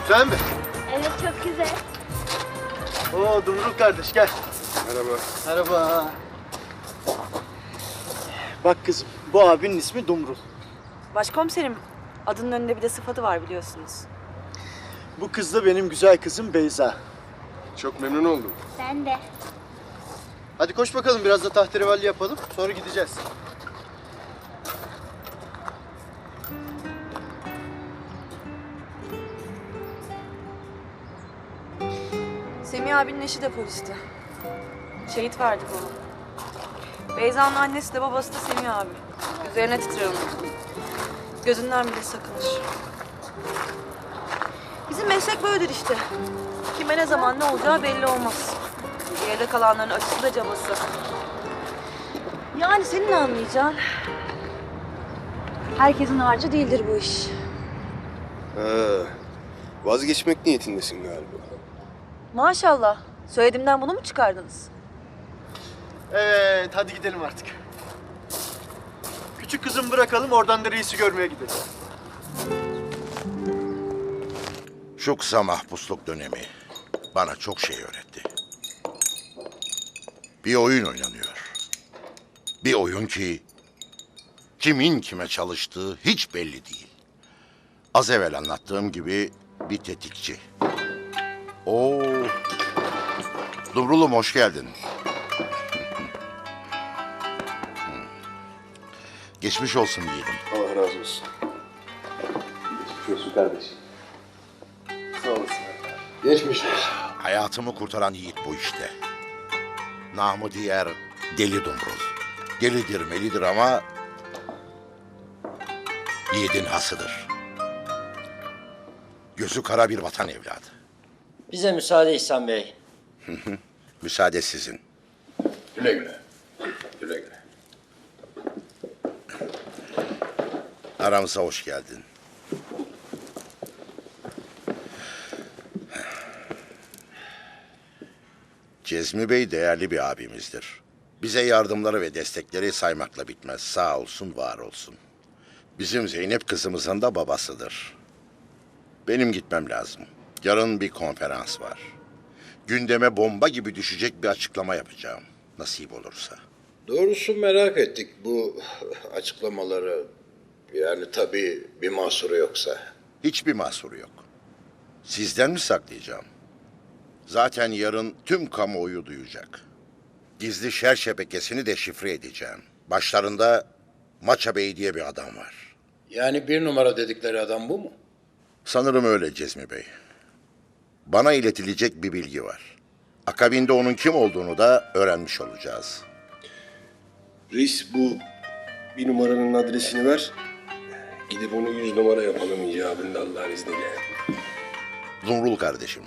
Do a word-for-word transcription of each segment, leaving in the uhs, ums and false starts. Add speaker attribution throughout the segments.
Speaker 1: Güzel mi?
Speaker 2: Evet, çok güzel.
Speaker 1: Oo Dumrul kardeş gel.
Speaker 3: Merhaba.
Speaker 1: Merhaba. Bak kızım, bu abinin ismi Dumrul.
Speaker 4: Başkomiserim, adının önünde bir de sıfatı var biliyorsunuz.
Speaker 1: Bu kız da benim güzel kızım Beyza.
Speaker 3: Çok memnun oldum.
Speaker 2: Ben de.
Speaker 1: Hadi koş bakalım, biraz da tahterevalli yapalım, sonra gideceğiz.
Speaker 4: Semih abinin eşi de polisti. Şehit verdik onu. Beyza'nın annesi de babası da Semih abi. Üzerine titrer onun. Gözünden bile sakınır. Bizim meslek böyledir işte. Kime ne zaman ne olacağı belli olmaz. Geride kalanların acısı da cabası. Yani senin anlayacağın... Herkesin harcı değildir bu iş.
Speaker 3: Ha, vazgeçmek niyetindesin galiba.
Speaker 4: Maşallah. Söylediğimden bunu mu çıkardınız?
Speaker 1: Evet, hadi gidelim artık. Küçük kızımı bırakalım, oradan da reisi görmeye gidelim.
Speaker 5: Şu kısa mahpusluk dönemi bana çok şey öğretti. Bir oyun oynanıyor. Bir oyun ki kimin kime çalıştığı hiç belli değil. Az evvel anlattığım gibi bir tetikçi. Oo, Dumrulum hoş geldin. Geçmiş olsun diyelim.
Speaker 3: Allah razı olsun. Geçmiş olsun kardeşim.
Speaker 1: Sağ olasın.
Speaker 3: Geçmiş olsun.
Speaker 5: Hayatımı kurtaran yiğit bu işte. Namı diğer Deli Dumrul. Delidir melidir ama yiğidin hasıdır. Gözü kara bir vatan evladı.
Speaker 6: Bize müsaade İhsan Bey.
Speaker 5: Müsaade sizin.
Speaker 3: Güle güle. Güle güle.
Speaker 5: Aramıza hoş geldin. Cezmi Bey değerli bir abimizdir. Bize yardımları ve destekleri saymakla bitmez. Sağ olsun, var olsun. Bizim Zeynep kızımızın da babasıdır. Benim gitmem lazım. Yarın bir konferans var. Gündeme bomba gibi düşecek bir açıklama yapacağım. Nasip olursa.
Speaker 7: Doğrusu merak ettik bu açıklamaları. Yani tabii bir mahsuru yoksa.
Speaker 5: Hiçbir mahsuru yok. Sizden mi saklayacağım? Zaten yarın tüm kamuoyu duyacak. Gizli şer şebekesini de şifre edeceğim. Başlarında Maça Bey diye bir adam var.
Speaker 7: Yani bir numara dedikleri adam bu mu?
Speaker 5: Sanırım öyle Cezmi Bey. Bana iletilecek bir bilgi var. Akabinde onun kim olduğunu da öğrenmiş olacağız.
Speaker 3: Reis bu bir numaranın adresini ver. Gidip onu yüz numara yapalım icabında Allah'ın izniyle.
Speaker 5: Zumrul kardeşim.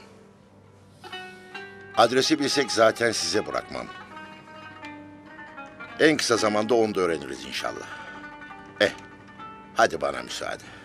Speaker 5: Adresi bilsek zaten size bırakmam. En kısa zamanda onu da öğreniriz inşallah. Eh, hadi bana müsaade.